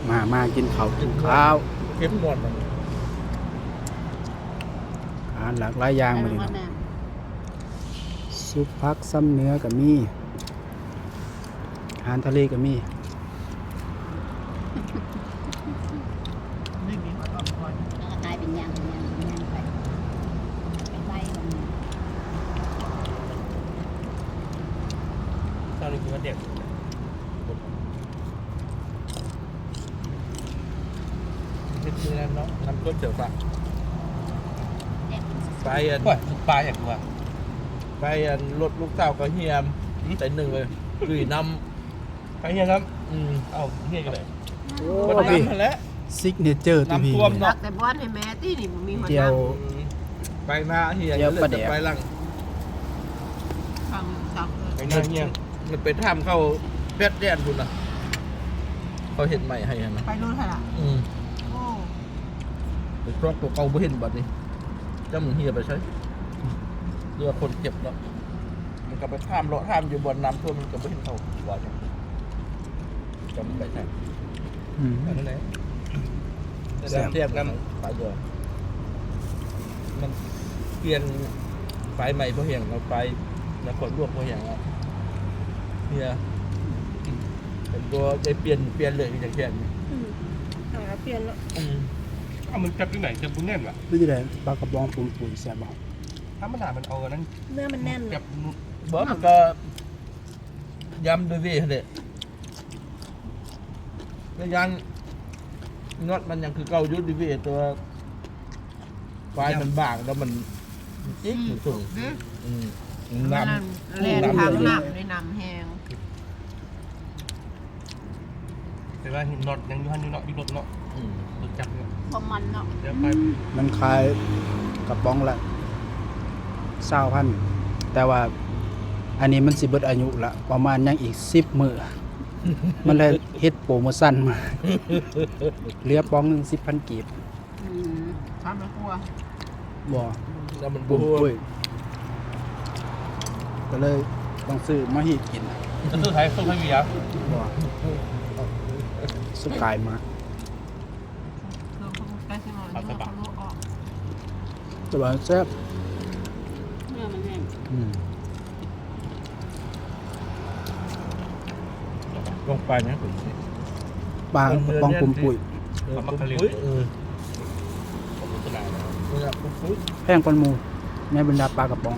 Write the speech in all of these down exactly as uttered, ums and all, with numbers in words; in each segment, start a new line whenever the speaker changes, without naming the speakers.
มามากินข้าวกินข้าว
เข้มงวดมัน
อาหารหลากหลายอย่างมาเลย
แม่
เนาะซุปผักซ้ำเนื้อก็มีอาหารทะเลก็มี
ไม่มีคนบอกคนแล้วก็ตายเป็นยางเป็นยางเป็นยางไปไปไล่แบบนี้
ตอนนี้คือว่าเด็กเฮ็ดมือนั้นเนาะน้ำต้มเสือฝา
เด็ก
ไปอัน
ว่าปลาอย่างว่า
ไปอันรถลูกสาวก็เฮียมแต่หนึ่งเลยดุยน
ไปเฮียครับ
ำอืม
เอาเฮียกันเลย
โอ้
คน
พี่
น้ำมาแล้ว
ซิกเนเจอร์ตัวพี่
น้ำท่วม
รักแต่บ้านให้แม่ที่นี่มันมีคน
เจียว
ไปหน้าเฮีย
เดี๋ยวประเดี๋ยว
ไปหลัง
ฟังสับเลย
ไปหน้าเฮีย
มันไปทำเข้าเพชรแดนคุณน่ะเขาเห็นใหม่ให้นะ
ไปนู่นค่ะล่ะ
อืม
โอ้
ไปครอบตัวเก่าบ่เห็นบัดนี้เจ้ามึงเฮียไปใช้เรือคนเจ็บเนาะมันก็ไปข้ามเลาะข้ามอยู่บนน้ำท่วมมันก็บ่เห็นเขาว่าจังจำไปใช่
อืม
อันนั้นแหละ
แซ่บ
เทียบกันไปเดียวมันเปลี่ยนไฟใหม่เพราะเหี่ยงเราไฟนครหลวงเพราะเหี่ยงอ่ะเนี่ยเป็นตัวได้เปลี่ยนเปลี่ยนเลยอย่างเช่น
หาเปลี่ยนแล้ว
อืม
เอามันจับที่ไหนจับบุญแน่นวะ
นี่จะได้ปลากระบองปุ่นปุ่นแซ่บบ่
ถ้ามันหนามันเอาอันนั้น
เนื้อมันแน่น
จับ
บ่มันก็ย้ำด้วยเวยเลยแล้วยันน็อตมันยังคือเก่าอยุดดิเวยตัวไฟมันบางแล้วมันจิ๊กมันสูงอืมน้ำ
แล่นทางน้ำในน้ำแห้ง
แต่ว่าน็อตยังอยู่หันอยู่เนาะอยู่รถเนาะ
อืม
รถจับเนี่ย
พอมันเนาะ
เดี๋ยวไป
มันขายกระป๋องละเศร้าพันแต่ว่าอันนี้มันสิเบิดอายุละประมาณยังอีกสิบมื้อ มันเลยเฮ็ดโปรโมชั่นมาเหลือป๋องหนึงสิบพันกีบ
อืมทำไม่กลัว
บ่
แล้วมัน
ปุ่
บู
มปุ้ยก็เลยต้องซื้อมาให้กิน
จะซื้อไทยซื้อไทยเวีย
บ่สกายมา
เครื่องเขาใกล้ที่นอนเนื้อเขาลวกออก
แต่ว่าแซ่บ
เนื้อมันแห้ง
อืม
ลงไปนะ
ปลากระป๋องปุ่มปุ้ย
เออปุ๊บปุ๊บเออ
ผมรู้ขนาดแล้ว
เนี่ยปุ๊บปุ๊บ
แพงกว่าหมูในบรรดาปลากระป๋อง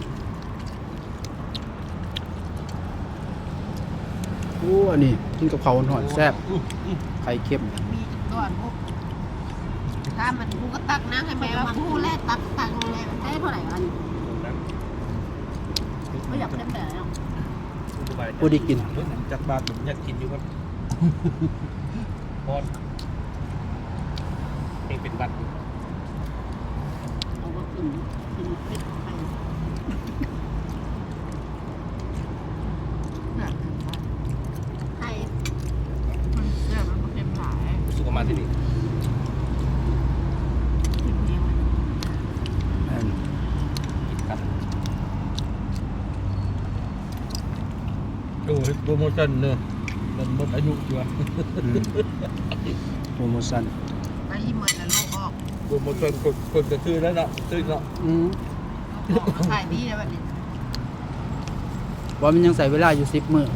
โอ้อันนี้กินกับข้าวหอนๆแซ่บไข่เค็ม
มีก้อนพวกถ้ามันกูก็ตักนะให้แม่ว่ากูแลกตักตักเลยมันได้เท่าไหร่อันไม่อยากได้แบบนั้น
ผู้ได้กิน
เฮ้ยผมจัดบาตรผมอยากกินอยู่ครับ
พอดเองเป็นบัตร
เอาก็กินกินเป็ดไปไข่มันเสื้อมันเต็มหลาย
รู้สึกประมาณที่นี่
กินเพียง
อัน
กินกัน
ดูโปรโมชั่นเนอะมันหมดอายุอยู่อะ
อืมโปรโมชั่น
ไปยี่หมื่นแล้วลูกออก
โปรโมชั่นกดกดจะซื้อแล้วเนาะซื้อเนาะ
อืม
ลูกออกขายดีแล้วแบบนี้
ว่ามันยังใส่เวลาอยู่สิบมื้อ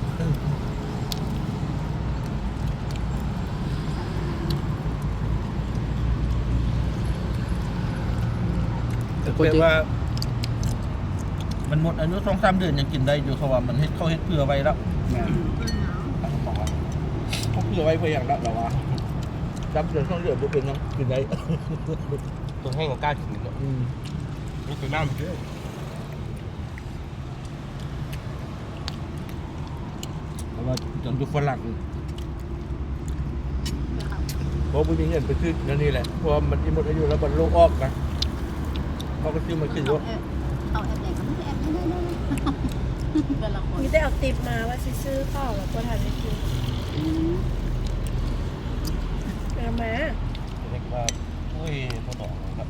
แต่
แต่
คนที่
ว่า มันหมดอายุสองสามเดือนยังกินได้อยู่เขาว่ามันเฮ็ดเขาเฮ็ดเพื่อไว้แล้ว
แม่
เขาบอกว่าเขาเพื่อไว้เพื่ออย่างละแต่ว่าจำเดือนสองเดือนบ่เป็นยังกินได้
ตัวแห้งกับกล้ากินเนาะ
อืม
นี่คือน้ำเยอะ
เพราะว่าจนดูฝรั่งเพราะไม่มีเงินไปซื้อนั่นนี่แหละเพราะว่ามันหมดอายุแล้วมันโรคออกนะเขาก็ซื้อมากิน
เอา
ว่า
แอบเอาแอบไหนก็ไม่แอบไม่ได้เลยแต่ละคน
มีได้เอาติปมาว่าสิซื้อข้าวแล้วก็ทานไปกินเอามา
เรียกว่าโอ้ยพอต่อครับ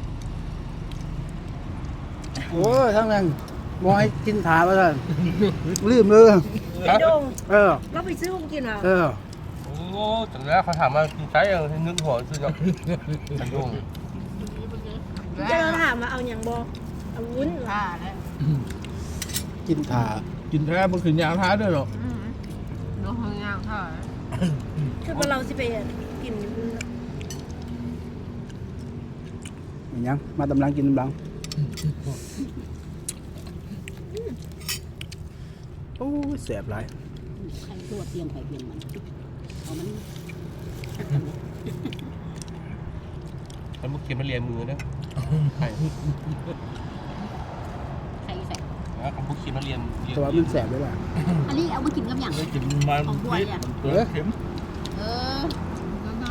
โอ้ยทั้งนั้นบ่ให้กินถาว่าซั่นลืมเลย
ไอ้ดง
เออ
เราไปซื้อของกินเหรอ
เออ
โอ้จังแล้วเขาถามว่ากินไก่ยังนึกหัวซื้อเนาะไอ้ยุ่ง
จะเราถามมาเอาอย่างบอเอาวุ้นเหรอ
ผ้าแล้ว
กินถา
กินแท้มันคือยางท้าด้วยหรอ
อืมน้องเฮงย่างผ้า
คือว่าเราสิไปกิน
อย่างยังมาตำลังกินตำลังโอ้ยแสบหลาย
ใครตัวเตรียมใครเตรียมมันเอามัน
แล้วมึงเขียนมาเรียนมือนะใช่
ใครใส่
แล้วเขาเขียนมาเรียนเรียน
แต่ว่ามันแสบด้วยล่ะ
อันนี้เอามากินกับอย่าง
เลยกินมันพิษมันเกลือเข็ม
เออแล้วนะ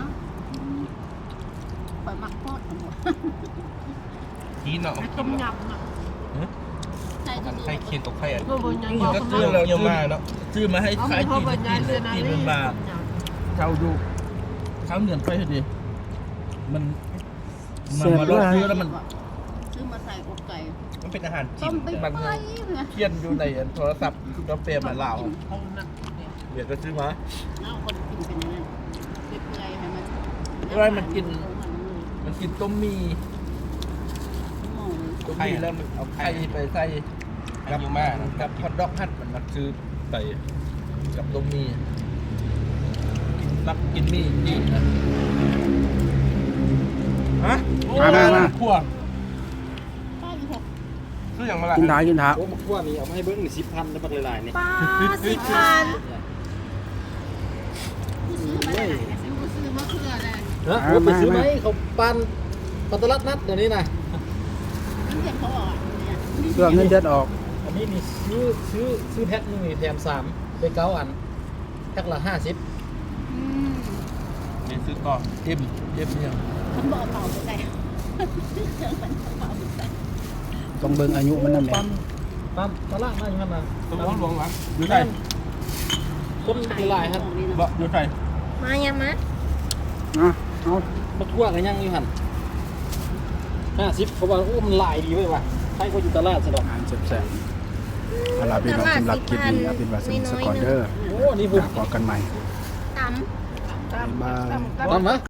ปล่อยมักโคตรทั้งหมด
ทีเนาะเอา
ต้
กิ
ม
นเนาะ
ยำอ่ะใช่
มัน
ดี
ใครเขียนตกใครอ่ะ
ๆบนยัง
ก็ซื้อเรา
เยอะมากเนาะ
ซื้อมาให้ใครกินกินเลยกินมันมาเช่าดูเช่าเหนือนไปเถอะดิมันมันมาลดซื้อแล้วมัน
ซื้อมาใส่อกไก่
มันเป็นอาหารจี
ต้
น
มไปไปเนี่ย
เคียนอยู่ในโทรศัพท์ก็เปรมมาเหล่าเดี๋ยวก็ซื้อมา
เอาคนกินเป็นนั่นเปื่อยๆให้มัน
มันกินต้มมีต้มมีแล้วมันเอาไข่ไปใส่
อายุมาก
กับฮอทดอกฮัทมันมักซื้อใส่กับต้มมีรับกินมีดีนะฮะ
มามามา
ขั้ว
ซื้ออย่างมาละ
กินถากินถา
โอ้มาขั้วนี่เอามาให้เบิ้งหนึ่งสิบพันแล้วบักหลายๆนี่
ป้าสิบพัน
ซื้อมาได้ซื้อซื้อมะเขือเลย
ฮะเอาไปซื้อไหมเขาปันปันตลาดนัดเดี๋ยวนี้นะ
นี่เห็นเขาบอกเนี่ย
เพื่อเงินเดือนออก
อันนี้นี่ซื้อซื้อซื้อแพ็คหนึงนี่แถมสามไปเก้าอันแพ็คละห้าสิบ
อืม
เรียนซื้อต่อ
เอ็มเอ็มเนี่ย
ฉันบอกเป่าไปใส่ซื้อเครื่องมันเป่าไปใส่
ต้องเบิ่งอายุมันนั่นแหละ
ปันปันตลาดนัดอยู่นั่นนะ
ต้องร้องหลวงหลัง
อยู่ไหน
คนหลายครับ
บ่อยู่ไหน
มายังมะ
อ่ะเอา
มาทั่วกันยังอยู่หันห้าสิบเขาบอกโอ้มันหลายดีเว้ยว่ะให้คนอยู่ตลาดสะดอก
อาหารแซ่บๆเอาล่ะพี่น้องสำหรับคลิปนี้เอาเป็นว่าสนุกสกอนเดอร์
โอ้นี่ผม
พบกันใหม่
ตำ
บ๊ายบาย
ตามมา